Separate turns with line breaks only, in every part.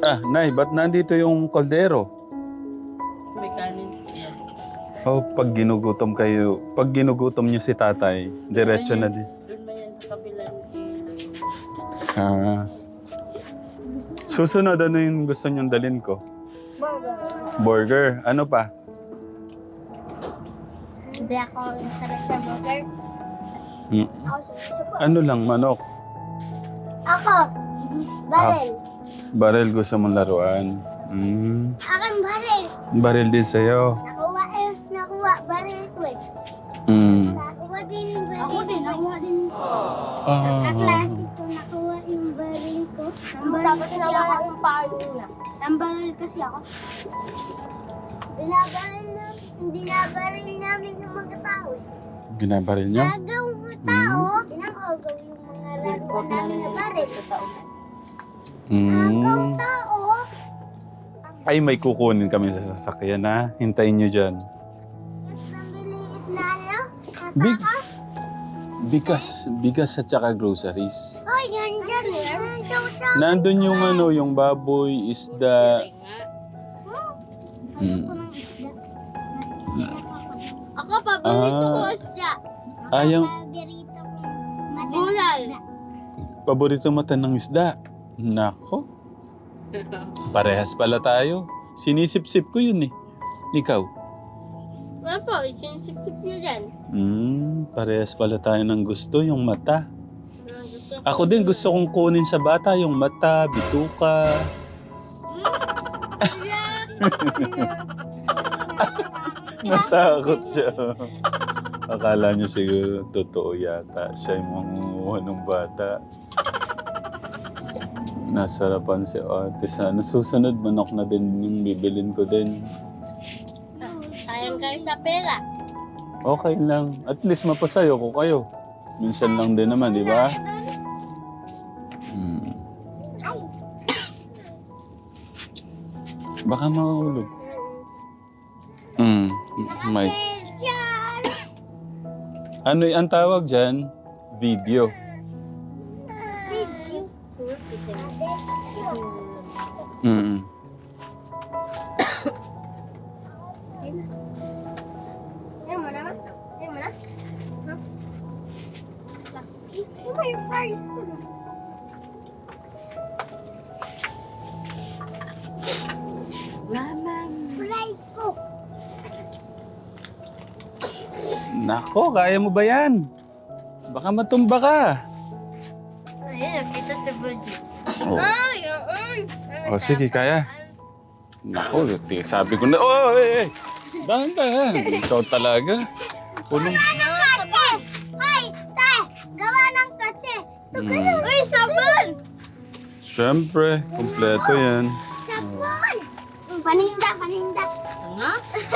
Nay, ba't nandito yung kaldero?
May kanin. Yan.
Oh, pag ginugutom niyo si tatay, diretso na din.
Doon ba yan sa kabilang ilog?
Ah. Susunod, ano yung gusto niyong dalhin ko? Burger. Ano pa?
Hindi ako sarap sa burger.
Hmm.
Ako sa
Ano lang, manok.
Ako! Baril.
Baril gusto mong laruan. Hmm.
Aking baril.
Baril din sa'yo.
Nakuha baril ko eh.
Hmm.
Nakuha din yung baril. Ako din, nakuha din.
Ah.
Ko nakuha yung baril ko. Tapos nakuha yung paano niya. Ang baril kasi ako. Binabaril namin yung mga tao.
Binabaril niyo?
Nagaw mga tao. Pinakagaw yung mga laruan namin na baril. Nagaw
Hmm.
tao.
Ay, may kukunin kami sa sasakyan ha. Hintayin niyo dyan.
Mas nabiliit na ano?
Big.
Kataka.
Bigas at saka groceries.
Oh, yan dyan. Nagaw tao.
Nandun yung ano, yung baboy, isda.
Ay nga.
Hmm.
Ako, paborito ko
Ah.
isda.
Ayang
Paborito ko gulay.
paborito mata ng isda. Nako. Parehas pala tayo. Sinisip-sip ko yun eh. Ikaw?
Ano po, isinisip-sip niyo dyan.
Parehas pala tayo ng gusto, yung mata. Ako din gusto kong kunin sa bata yung mata, bituka. Natakot siya. Akala niyo siguro totoo yata. Siya yung mangunguha ng bata. Nasarapan si ate. Sana susunod manok na din yung bibilin ko din.
Sayang kayo sa pera.
Okay lang. At least mapasayo ko kayo. Minsan lang din naman, di ba? Hmm. Baka mahulog. May.
Diyan!
Ano ang tawag dyan? Video. Mm.
Yan mo na? Yan mo na? Ano ba yung price ko?
Mama.
Price ko.
Nako, kaya mo ba yan? Baka matumba ka.
Ayun, nakita sa budget.
Oh.
Ay, yun.
Oh, sige, kaya. Nako, sabi ko na, oh, eh, dahan-dahan. Ikaw talaga. Punong...
Kache! Ay, te! Gawa ng kache! Uy, sabon!
Siyempre, kompleto yan.
Sabon! Paninda, paninda.
Nga?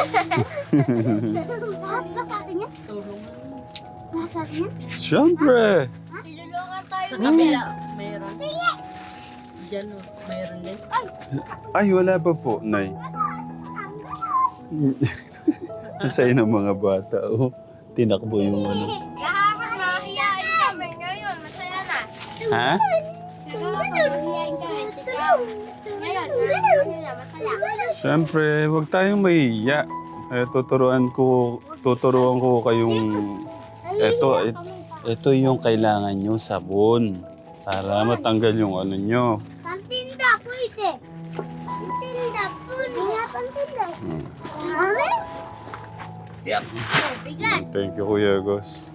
Lahat ba sa akin yan?
Tulong.
Lahat sa akin yan?
Siyempre.
Tinulungan tayo.
Sa kabila, mayroon. Diyan o, mayroon din.
Ay, wala pa po, Nay. Masaya ng mga bata, oh. Tinakbo yung ano.
Kahapon, mahihain kami. Ngayon, masaya na.
Ha?
Kahapon, mahihain kami. Ngayon, ano na, masaya.
Siyempre, huwag tayong mahiya. Tuturuan ko kayong... Ito yung kailangan nyo, sabon. Para matanggal yung ano nyo.
Pantinda, pwede. Pantinda, pwede. Pantinda. Mami?
Yan.
Bigat.
Thank you, Kuya Gos.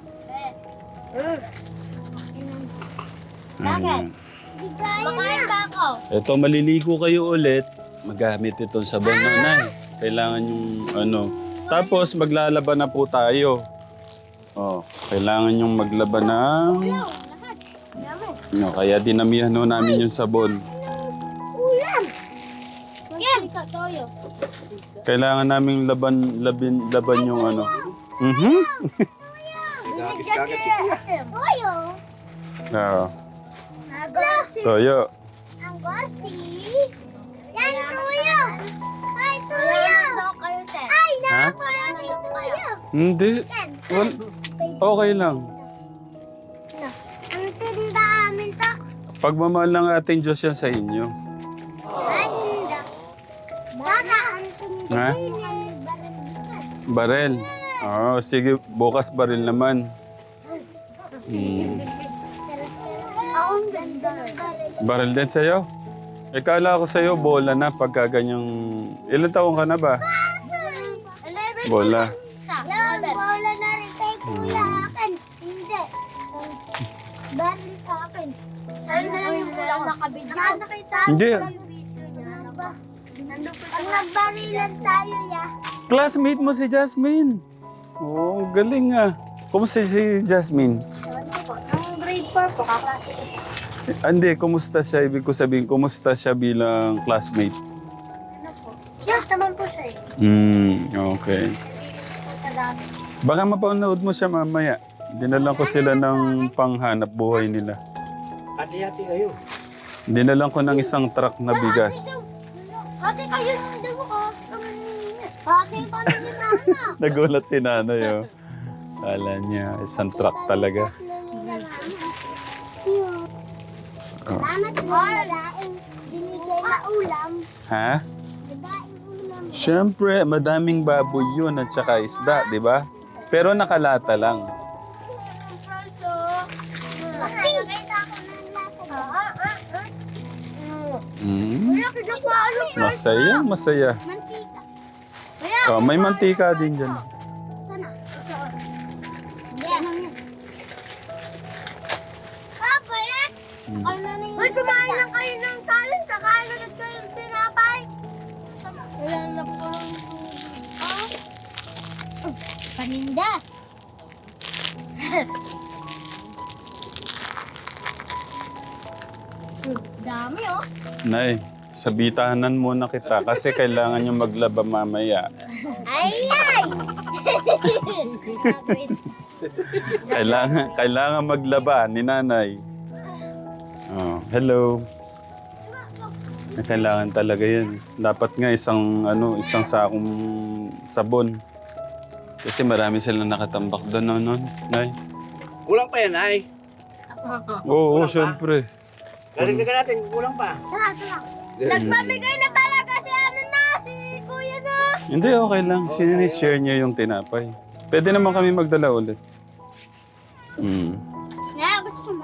Bakit? Makain pa ako.
Ito, maliligo kayo ulit. Magamit itong sabon na, Nay. Kailangan yung ano. Tapos, maglalaban na po tayo. Oh, kailangan yung maglaban ng...
Lahat. Yaman.
No, kaya dinamihan no namin yung sabon.
Ulam. Magsalika, toyo.
Kailangan naming laban yung ano. Mhm.
Binigyan niya. Toyo.
Ah,
Agos.
toyo.
Ang gosi. Yan, toyo. Ay, toyo. Ay,
Ha?
parang toyo.
Hindi. Okay lang.
Ang tinda amin to.
Pagmamahal ng ating Diyos yan sa inyo.
Ay,
Ha? Barel. Oo, sige. Bukas baril naman.
Akong ganda ng baril.
Baril din sa'yo? Kala ko sa'yo, bola na pagka ganyang... Ilan taong ka na ba?
11.
Bola.
Yan, bola na rin kay kuya akin. Hindi. Baril sa akin. Saan na lang yung bola nakabit? Nakasakita.
Hindi.
Pag nagbarilan tayo, ya.
Classmate mo si Jasmine. Oo, galing ah. Kumusta si Jasmine?
Ewan ko po. Ang grade 4 po, kaklase ko.
Hindi, kumusta siya? Ibig ko sabihin, kumusta siya bilang classmate?
Ano po? Yes, naman po siya eh.
Okay.
Sa dami.
Baka mapanood mo siya mamaya. Dinalan ko sila ng panghanap buhay nila.
Hati-hati kayo.
Dinalan ko ng isang truck na bigas.
Ate, kayo nung daw ko. Ate, paano niya sana?
Nagulat si nanay, oh. Kala niya, isang truck talaga. Oh.
Salamat po. Laing binigay na ulam.
Ha?
Daing ulam.
Siyempre, madaming baboy yun at saka isda, di ba? Pero nakalata lang.
Nakita ko ng lata.
Masaya, masaya.
Mantika.
Oh, may mantika din dyan.
Sana. Yan. Papa,
Mm.
ano na yung... Uy, kumain lang kayo ng talent. Kakalunod ko yung tinapay. Wala na po. Paninda. Dami oh.
Nay, sabitahanan muna kita kasi kailangan yung maglaba mamaya.
Ay, ay!
Kailangan maglaba ni nanay. Oh, hello. Kailangan talaga yun. Dapat nga isang sakong sabon. Kasi marami silang nakatambak doon, no, Nay?
Kulang pa yan, ay.
Oo,
Kulang pa?
syempre.
Dagdagan natin, kulang pa.
Nagpamigay na talaga si si kuya na.
Hindi, okay lang. Sinishare niya yung tinapay. Pwede naman kami magdala ulit.
Kaya gusto mo?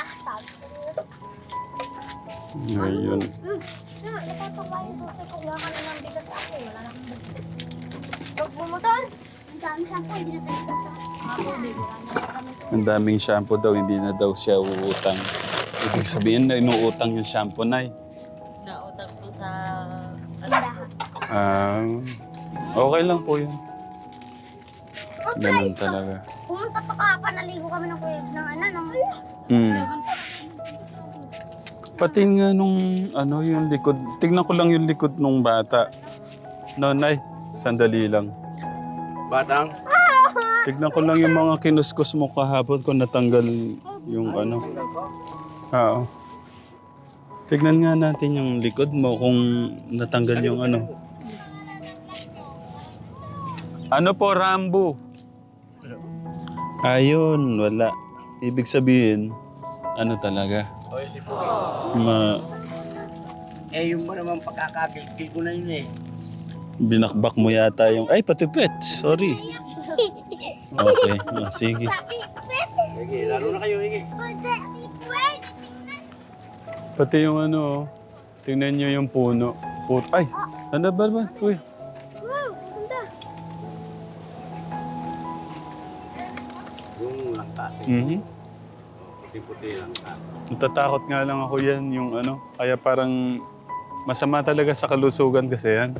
Ayun.
Nakakakain ko kung wala ka na ng bigas ako. Wala na akong bigas. Pag bumuton, ang dami shampoo, hindi na tayo ako, baby.
Ang daming shampoo daw, hindi na daw siya uutang. Ibig sabihin na inuutang yung shampoo, Nay.
Nautang ko sa...
Okay lang po yun. Ganun talaga.
Pumunta pa ka pa, naligo kami ng kuya ng
Hmm. Pati nga nung yung likod. Tignan ko lang yung likod nung bata. No, Nay. Sandali lang.
Batang.
Tignan ko lang yung mga kinuskus mo kahapon kung natanggal yung Oo. Tignan nga natin yung likod mo kung natanggal yung Ano po, Rambo? Ayun, wala. Ibig sabihin, talaga?
Yung ba naman pagkakagilgil ko na yun eh.
Binakbak mo yata yung... Ay, patipet. Sorry. Okay. Sige.
Sige, laro na kayo, sige.
Pati yung tingnan nyo yung puno. Ay, ano ba? Uy.
Yung langka. Puti-puti langka.
Natatakot nga lang ako yan, yung Kaya parang masama talaga sa kalusugan kasi yan.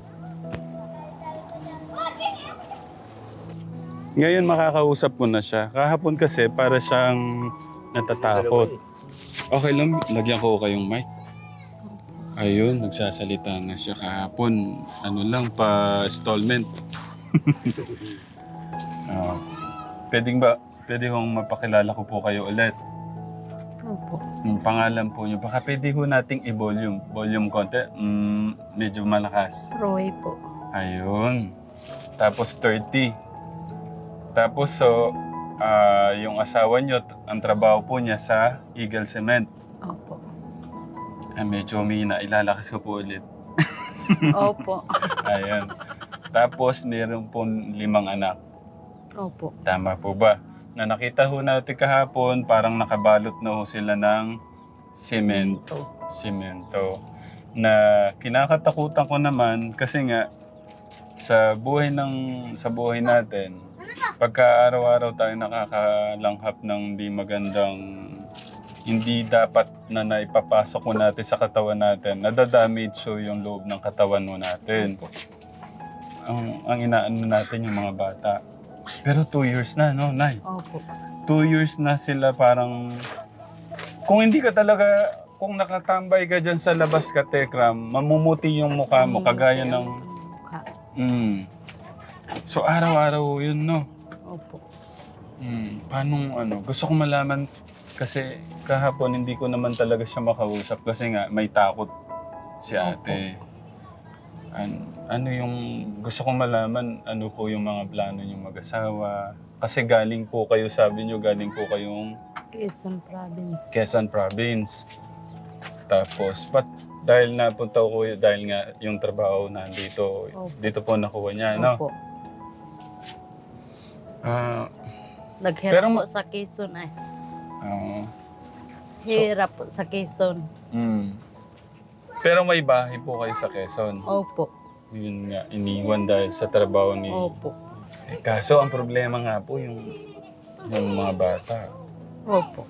Ngayon makakausap ko na siya. Kahapon kasi para siyang natatakot. Okay lang, lagyan ko kayong mic. Ayun, nagsasalita na siya kahapon. Pa-stallment. Pwede kong mapakilala ko po kayo ulit.
Opo.
Yung pangalan po niyo. Baka pwede ho nating i-volume. Volume konti. Medyo malakas.
Roy po.
Ayun. Tapos 30. Tapos yung asawa niyo, ang trabaho po niya sa Eagle Cement.
Opo.
Medyo humina. Ilalakas ko po ulit.
Opo.
Ayan. Tapos, meron po 5 anak.
Opo.
Tama po ba? Na nakita ho natin kahapon, parang nakabalot na ho sila ng semento. Semento. Na kinakatakutan ko naman kasi nga sa buhay natin, pagka araw-araw tayo nakakalanghap ng hindi dapat na naipapasok mo natin sa katawan natin, nadadamage so yung loob ng katawan mo natin. Ang inaano natin yung mga bata. Pero 2 years na, no, Nay?
Opo.
2 years na sila parang... Kung hindi ka talaga... Kung nakatambay ka dyan sa labas ka, Tekram, mamumuti yung mukha mo, kagaya ng...
Mukha.
So, araw-araw yun, no?
Opo.
Paano, gusto ko malaman, kasi kahapon hindi ko naman talaga siya makausap kasi nga may takot si ate. Ano yung gusto kong malaman, ano po yung mga plano niyong mag-asawa? Kasi galing po kayo, sabi niyo, galing po kayong
Quezon Province.
Quezon Province. Tapos, dahil napunta ko, dahil nga yung trabaho nandito, dito po nakuha niya, no?
Opo.
Pero
Naghirap po sa Quezon ay. Hirap po sa Quezon.
Pero may bahay po kayo sa Quezon.
Opo.
Yun nga, iniwan dahil sa trabaho ni...
Opo.
Kaso ang problema nga po yung mga bata.
Opo.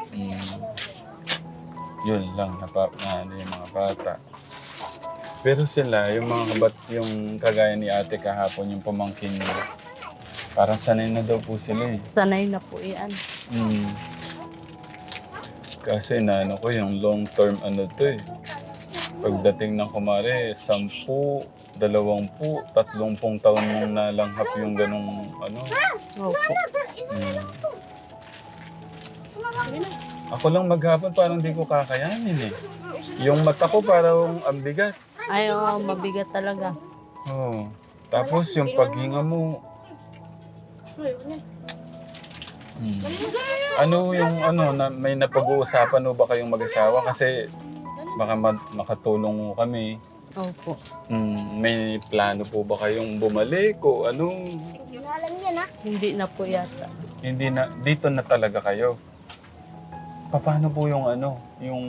Yun lang, yung mga bata. Pero sila, yung yung kagaya ni ate kahapon, yung pamangkin niya, parang sanay na daw po sila eh.
Sanay na po yan.
Kasi inaano ko yung long term to eh. Pagdating ng kumare, 10, 20, 30 taon mong nalanghap yung ganong
Opo.
Ako lang maghapon parang di ko kakayanin eh. Yung mata ko parang ang bigat.
Ay, mabigat talaga.
Oo. Tapos yung paghinga mo. Ano yung may napag-uusapan mo ba kayong mag-asawa? Kasi baka makatulong mo kami.
Opo.
May plano po ba kayong bumalik o ano?
Hindi na po yata.
Hindi na, dito na talaga kayo. Paano po yung yung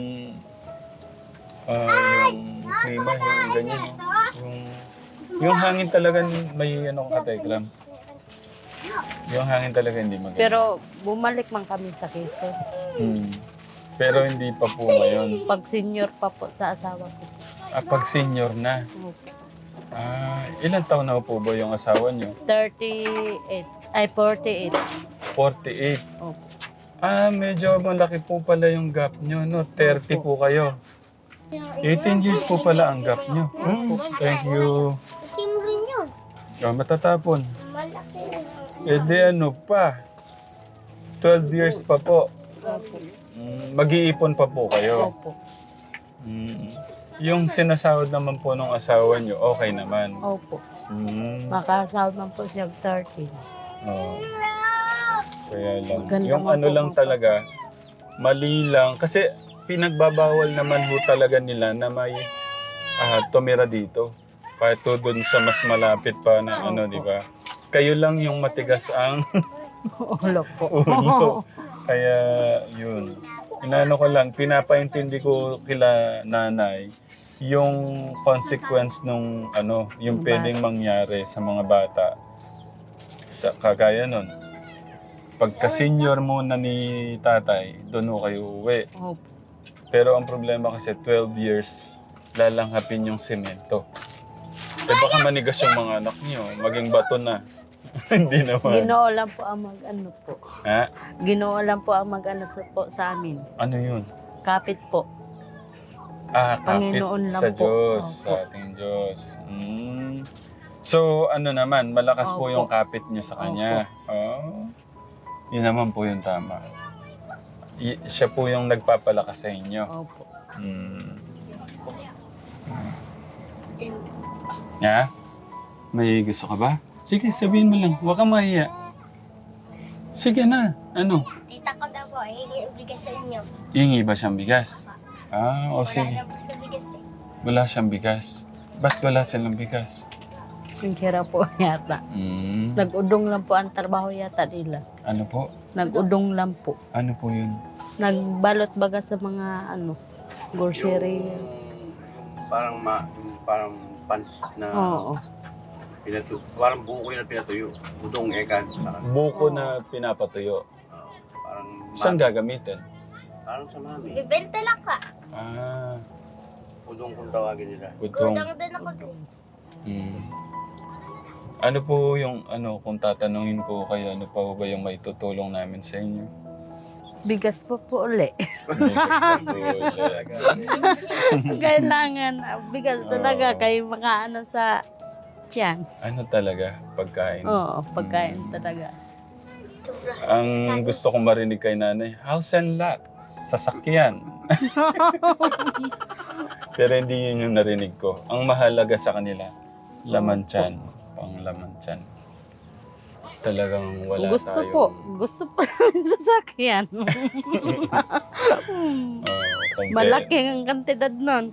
klima, yung ganyan, yung hangin talaga may katekram. Yung hangin talaga hindi maganda.
Pero bumalik man kami sa Quezon.
Pero hindi pa po ngayon.
Pag senior pa po sa asawa ko.
Pag senior na.
Opo.
Ilang taon na po ba yung asawa niyo?
38. Ay, 48.
48.
Opo.
Medyo malaki po pala yung gap nyo, no? 30 po kayo. 18 years po pala ang gap nyo. Thank you.
Team rin yun.
Matatapon.
Malaki.
Di pa. 12 years pa po.
Opo.
Mag-iipon pa po kayo.
Opo.
Yung sinasahod naman po ng asawa nyo, okay naman.
Opo. Makasahod man po siya 13.
Oo. Kaya lang.
Maganda
Yung
nga po
lang
ang
talaga, mali lang. Kasi pinagbabawal naman ho talaga nila na may tumira dito. Kahit doon sa mas malapit pa na di ba? Kayo lang yung matigas ang
Ulo po.
ulo. Kaya yun. Inano ko lang, pinapaintindi ko kila nanay yung consequence nung yung pwedeng mangyari sa mga bata. Sa kagaya nun. Pagka-senior muna ni tatay, doon ho kayo uwi.
Opo.
Pero ang problema kasi 12 years, lalanghapin yung semento. Baka manigas yung mga anak niyo, maging bato na. Hindi naman.
Ginoo lang po ang po.
Ha?
Ginoo lang po ang po sa amin.
Ano yun?
Kapit po.
Kapit
Panginoon lang
sa
po.
Diyos,
Opo.
sa ating Diyos. So, naman, malakas po
Opo.
yung kapit niyo sa Kanya. Yun naman po yung tama. Siya po yung nagpapalakas sa inyo.
Opo.
May gusto ka ba? Sige, sabihin mo lang. Huwag kang mahiya. Sige na.
Tita ko daw po, hindi ibigay sa inyo.
Hingi ba siyang bigas? O
Wala
sige.
na po sa bigas eh.
Wala siyang bigas. Ba't wala silang bigas?
Ang hirap po yata. Nag-udong lang po ang trabaho yata nila.
Ano po?
Nag-udong lang po.
Ano po yun?
Nagbalot baga sa mga grocery.
Yung parang pansit na
Oo.
parang buko yun na pinatuyo. Udong ekan.
Buko na pinapatuyo.
Parang
Saan gagamitin?
Parang sa mami.
Bibenta lang ka.
Ah,
Udong kung tawagin nila.
utong.
Kudang din ako doon.
Ano po yung, kung tatanungin ko kayo, ano pa ba yung maitutulong namin sa inyo?
Bigas po po uli.
Bigas na po ulit.
Kailangan bigas talaga kayo sa tiyan.
Ano talaga? Pagkain.
Oo, pagkain talaga.
Ang gusto kong marinig kay nanay, house and lot, sasakyan. Pero hindi yun yung narinig ko. Ang mahalaga sa kanila, laman tiyan. Pang laman tiyan. Talagang wala
Gusto
tayong...
po. Gusto po namin sasakyan.
konti.
Malaki ang kantidad nun.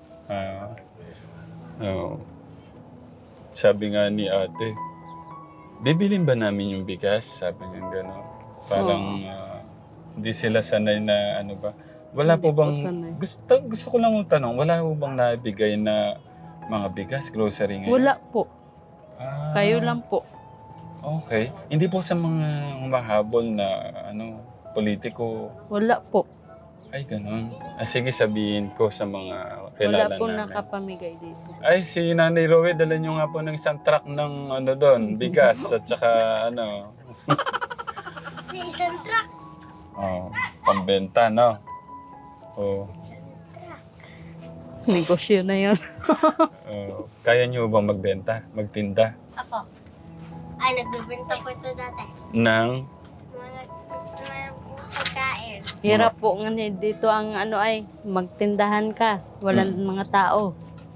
Oo. Sabi nga ni ate, bibilin ba namin yung bigas? Sabi niya gano'n. Parang hindi sila sanay na ba. Wala
Hindi
po bang,
po sanay.
gusto ko lang tanong, wala po bang naibigay na mga bigas, grocery ngayon?
Wala po.
Ah,
Kayo lang po.
Okay. Hindi po sa mga mahabol na politiko.
Wala po.
Ay, ganun. Sige, sabihin ko sa mga
Wala
kilala
po
namin.
nakapamigay dito.
Ay, si Nanay Rowe, dala nyo nga po ng isang truck ng doon, bigas at saka
Sa isang truck.
pambenta, no? Oh,
Negosyo na yun.
kaya nyo bang magbenta, magtinda
Ako. Ay, nagbibenta po ito dati.
ng
Mga pagkain.
Hirap po nga dito ang magtindahan ka. Walang mga tao.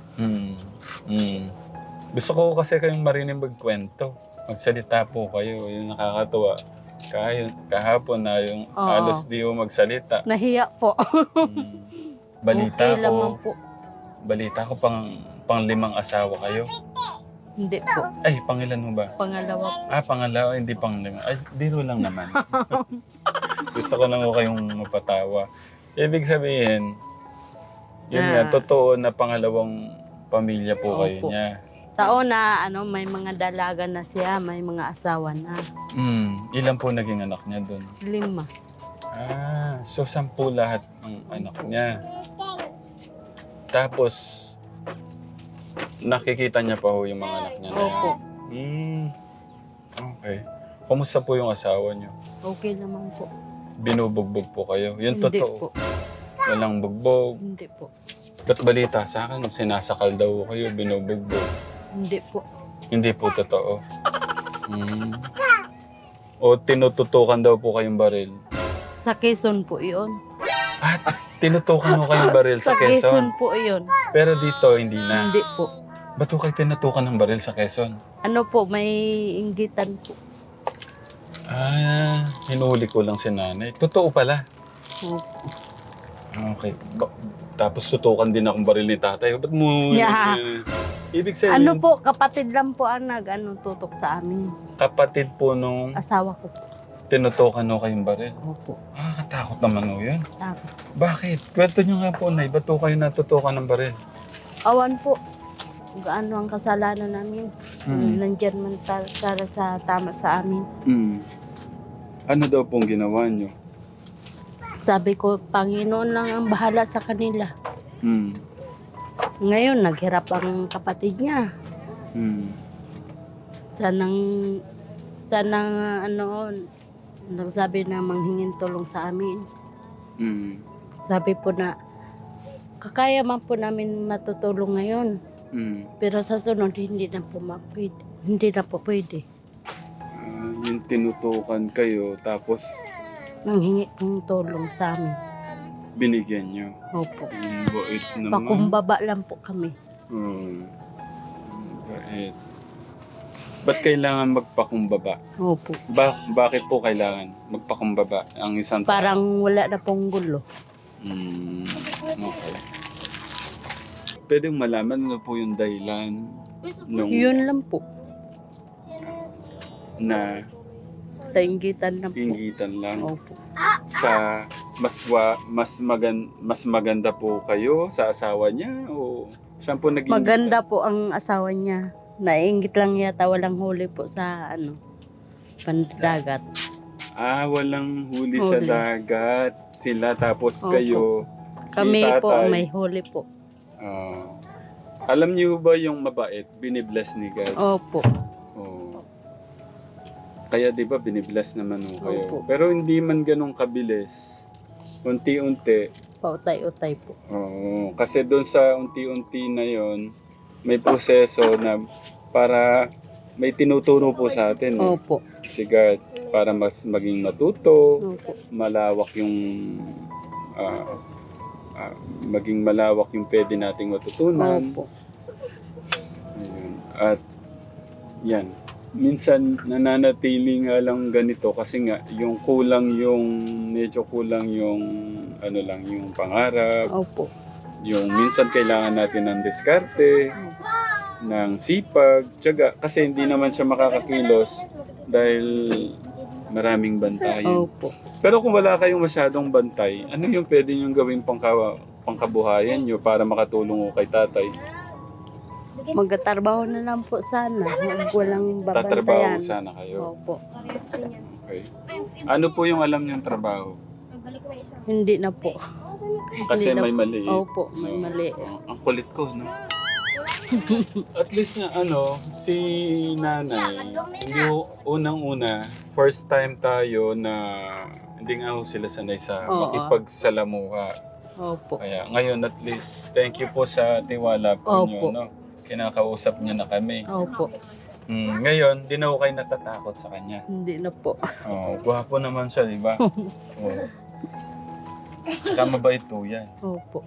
Gusto ko kasi kayong marinig magkwento. Magsalita po kayo, yung nakakatuwa. Kahapon na yung
Oo.
halos di mo magsalita.
Nahiya po.
Balita
Okay lamang
ko,
po.
balita ko pang 5 asawa kayo.
Hindi po.
Ay, pangilan mo ba?
Pangalawa po.
Pangalawa, hindi pang 5. Ay, biro lang naman. Gusto ko lang ko kayong mapatawa. Ibig sabihin, yun nga, totoo na pangalawang pamilya po kayo
Opo.
niya.
Taon na may mga dalaga na siya, may mga asawa na.
Ilan po naging anak niya doon?
5.
So 10 lahat ng anak niya. Tapos, nakikita niya pa ho yung mga anak niya na yan.
Opo.
Okay. Kumusta po yung asawa niyo?
Okay naman po.
Binubugbog po kayo? Yun
Hindi
totoo.
po.
Walang bugbog.
Hindi po.
Ba't balita sa akin, sinasakal daw kayo, binubugbog.
Hindi po.
Hindi po totoo. O tinututukan daw po kayong baril.
Sa Quezon po iyon.
Tinutukan mo kayong baril sa
Sa Quezon
Quezon.
po iyon.
Pero dito, hindi na.
Hindi po.
Ba't po kayo tinutukan ng baril sa Quezon?
Ano po, may inggitan po.
Hinuli ko lang si nanay. Totoo pala.
Opo.
Okay. Tapos tutukan din akong baril ni tatay. Ba't mo...
Yeah.
Ibig sabihin,
Ano po, kapatid lang po ang tutok sa amin.
kapatid po nung
Asawa ko po.
tinutukan mo kayong baril.
Opo.
Katakot naman o yun.
Tapos,
Bakit? Kwento nyo nga po, Nay. Ba't po kayo natutukan ng baril?
awan po. Gaano ang kasalanan namin. Nandyan man para sa tama sa amin.
Ano daw pong ginawa nyo?
Sabi ko, Panginoon lang ang bahala sa kanila. Ngayon, naghirap ang kapatid niya. Sanang nagsabi na manghingin tulong sa amin. Sabi po na, kakaya man po namin matutulong ngayon. Pero sa sunod, hindi na po pwede.
Yung tinutukan kayo, tapos
Nanghingi ng tulong sa amin.
binigyan nyo.
Opo.
Ang bait naman.
Pakumbaba lang po kami.
Bait. Ba't kailangan magpakumbaba?
Opo.
Bakit po kailangan magpakumbaba ang isang tao?
Parang wala na pong gulo.
Okay. pwedeng malaman ano po yung dahilan nung
Yun lang po.
na
Sa inggitan lang po.
inggitan lang.
Opo.
Sa mas maganda po kayo sa asawa niya o siya po nag
Maganda po ang asawa niya. Nainggit lang yata, walang huli po sa pandagat.
walang huli sa
Huli.
dagat. Sila tapos
Opo.
kayo.
Kami
si
po
tatay.
may huli po.
Alam niyo ba yung mabait, binibless ni God?
Opo.
Oo. Kaya 'di ba binibless naman ho kayo.
Opo.
Pero hindi man ganun kabilis. Unti-unti.
Pautay-utay po.
Oo. Kasi doon sa unti-unti na 'yon, may proseso na para may tinuturo po sa atin.
Opo.
Si God para mas maging matuto,
Opo.
malawak yung maging malawak yung pwede nating matutunan.
Opo.
Ayun. At yan. Minsan nananatili nga lang ganito kasi nga medyo kulang yung yung pangarap.
Opo.
Yung minsan kailangan natin ng diskarte, ng sipag, tiyaga. Kasi hindi naman siya makakakilos dahil maraming bantayan.
Opo.
Pero kung wala kayong masyadong bantay, ano yung pwede niyong gawin pangkabuhayan niyo para makatulong ko kay tatay?
Magtatrabaho na lang po sana. Huwag walang
Tatrabaho
babantayan.
sana kayo.
Opo.
Okay. Ano po yung alam niyong trabaho?
Hindi na po.
Kasi
Hindi na
may mali.
Opo, may
No.
mali.
Ang kulit ko, no? At least na si nanay, yung unang-una, first time tayo na hindi nga ho sila sanay sa
Oo.
makipagsalamuha.
Opo.
Kaya ngayon at least, thank you po sa tiwala po niyo,
Opo.
no? Kinakausap niya na kami.
Opo.
Ngayon, di na ho kayo natatakot sa kanya.
Hindi na po.
Oh, gwapo naman siya, di ba? Oh. Tsaka mabait po yan.
Opo.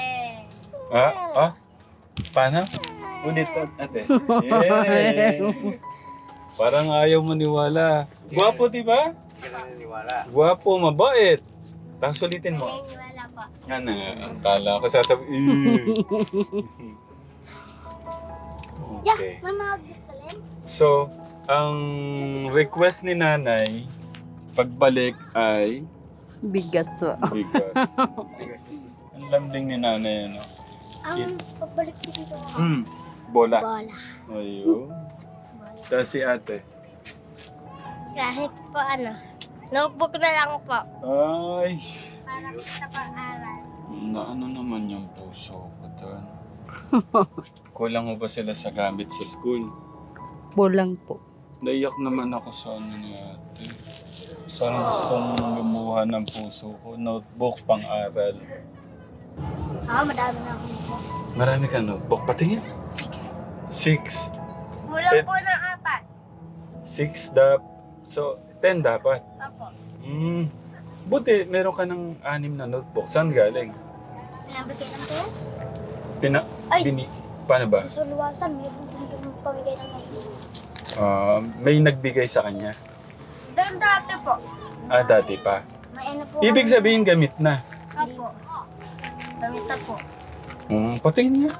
Paano? Ulit, ate. Yeah. Parang ayaw maniwala. Gwapo, di ba?
Hindi ka naniniwala.
Gwapo, mabait. Tapos ulitin mo.
Wala pa.
Yan ang kala ko sasabi. Okay.
Mama, magdalhin?
So, ang request ni nanay, pagbalik ay
Bigas po.
bigas. Ang lambing ni nanay, ano?
Ang pagbalik ko dito.
Bola.
Bola.
Ayun. Tapos si ate.
Kahit po notebook na lang po.
Ay,
Para sa pag-aral.
na ano naman yung puso ko doon. Kulang mo ba sila sa gamit sa school?
Bulang po.
Naiyak naman ako sa ano ni ate. Parang gustong lumuha ng puso ko. Notebook, pang-aral.
Madami na ako po.
Marami ka notebook. Patingin. 6.
Kulang
Eh.
po ng
6 So, 10 dapat.
4. Opo.
Buti, meron ka ng 6 na notebook. Saan galing?
Nabigay lang kayo? Ay!
Paano ba?
Sa luwasan, mayroon din pamigay ng notebook.
May nagbigay sa kanya.
Doon dati po.
Dati pa.
May po.
Ibig sabihin, gamit na.
Opo. Gamita po.
Patingin niya.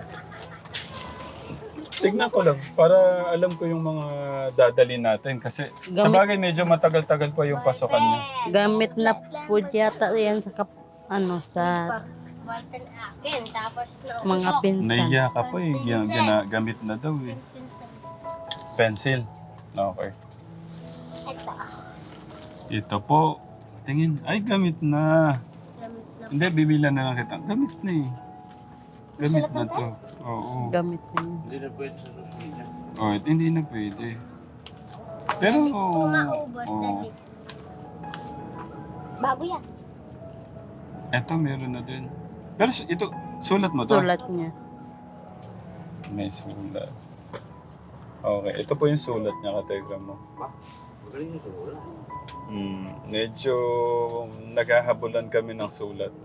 Tignan ko lang, para alam ko yung mga dadalhin natin. Kasi sa
Gamit.
bagay medyo matagal-tagal pa yung pasokan niya.
Gamit na po yata yan sa sa
Walton akin, tapos
mga pinsan.
Naiya ka pa eh. Gamit na daw eh. Pencil. Okay.
Ito.
Ito po. Tingin. Ay, gamit na.
Gamit na.
Hindi, bibilan na lang kita. Gamit na eh. Gamit na to. Oo.
Gamit na yan.
Hindi na pwede sa susunod niya.
Hindi na pwede. Pero,
Kung maubos, dali. Bago yan.
eto meron na din. Pero ito, sulat mo to?
Sulat niya.
May sulat. Okay, ito po yung sulat niya, kategram mo.
Magaling yung sulat.
Medyo naghahabulan kami ng sulat.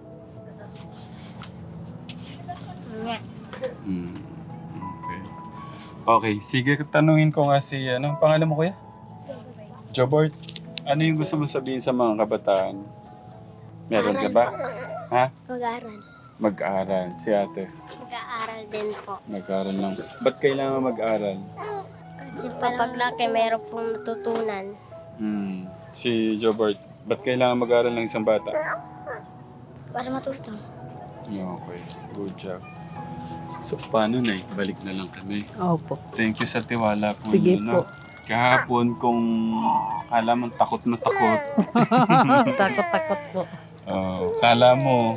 Nga.
Okay. Okay, sige, tanungin ko nga si, pangalan mo kuya? Jobert. Ano yung gusto mo sabihin sa mga kabataan? Meron ka ba? Ha?
Mag-aaral.
Mag-aaral. Si ate.
Mag-aaral Nag-aaral din po.
Nag-aaral lang. Ba't kailangan mag-aral?
Kasi kapag laki, mayroon pong natutunan.
Si Jobert, ba't kailangan mag-aral ng isang bata?
Para matuto.
Okay, good job. So, paano na balik na lang kami.
Opo.
Thank you sa tiwala po
Sige
niyo, no?
po.
Kahapon, kung kala mo takot na takot,
Takot-takot po.
kala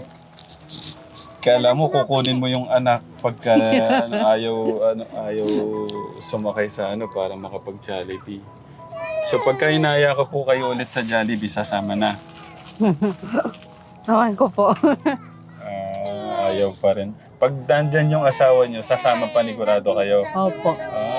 mo kukunin mo yung anak pagka ayaw sumakay sa para makapag-Jollibee. So pagka inaya ko po kayo ulit sa Jollibee, sasama na.
Tawan ko po.
Ayaw pa rin. Pag nandyan yung asawa nyo, sasama panigurado kayo.
Opo.